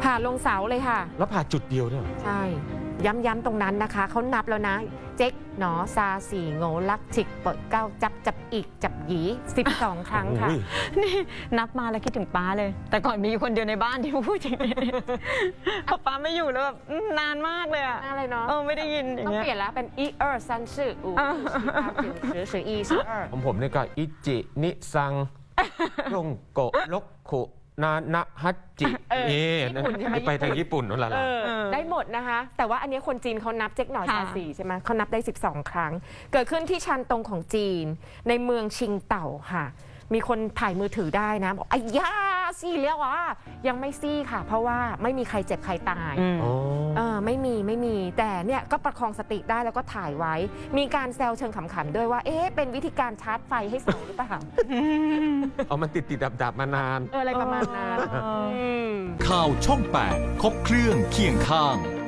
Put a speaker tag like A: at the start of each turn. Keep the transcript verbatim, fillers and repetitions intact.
A: ผ่าลงเสาเลยค่ะ
B: แล้วผ่าจุดเดียวเนี่ย
A: ใช่ย้ำๆตรงนั้นนะคะเขานับแล้วนะเจ๊กหนอซาสี่โง่ลักฉิกเปิดเก้าจับจับอีกจับหยีสิบสองครั้งค่ะ
C: นี่นับมาแล้วคิดถึงป้าเลย แต่ก่อนมีอยู่คนเดียวในบ้านที่พูดอย่างนี้พอป้าไม่อยู่แล้วแบบนานมากเลยอะ
A: อะไรเนาะ
C: เออไม่ได้ยินอย่าง
A: ต้อง
C: เงี้ย
A: เปลี่ยนแล้วเป็นอีเออร์ซันชื่ออูหรือชื่ออีชื่อเออร์
B: ผมผมเนี่ยก็อิจินิซังลงโกะลกขุนานะฮัจจิเอ๊ไปทางญี่ปุ่นนั่นแหละ
A: ได้หมดนะคะ แต่ว่าอันนี้คนจีนเขานับเจ๊กหน่อชาสีใช่ไหมเขานับได้สิบสองครั้ง เกิดขึ้นที่ชันตงของจีนในเมืองชิงเต่าค่ะ มีคนถ่ายมือถือได้นะบอกอ้ยาซี่แล้วอ่ะยังไม่ซี่ค่ะ เพราะว่าไม่มีใครเจ็บใครตายเออไม่มีไม่มีแต่เนี่ยก็ประคองสติได้แล้วก็ถ่ายไว้ มีการแซวเชิงขำๆด้วยว่าเอ๊ะเป็นวิธีการชาร์จไฟให้เสาหรือเปล่า
B: เอามันติดติดดับดับมานาน
A: เอออะไรประมาณนั้น
D: ข่าวช่องแปดครบเครื่องเคียงข้าง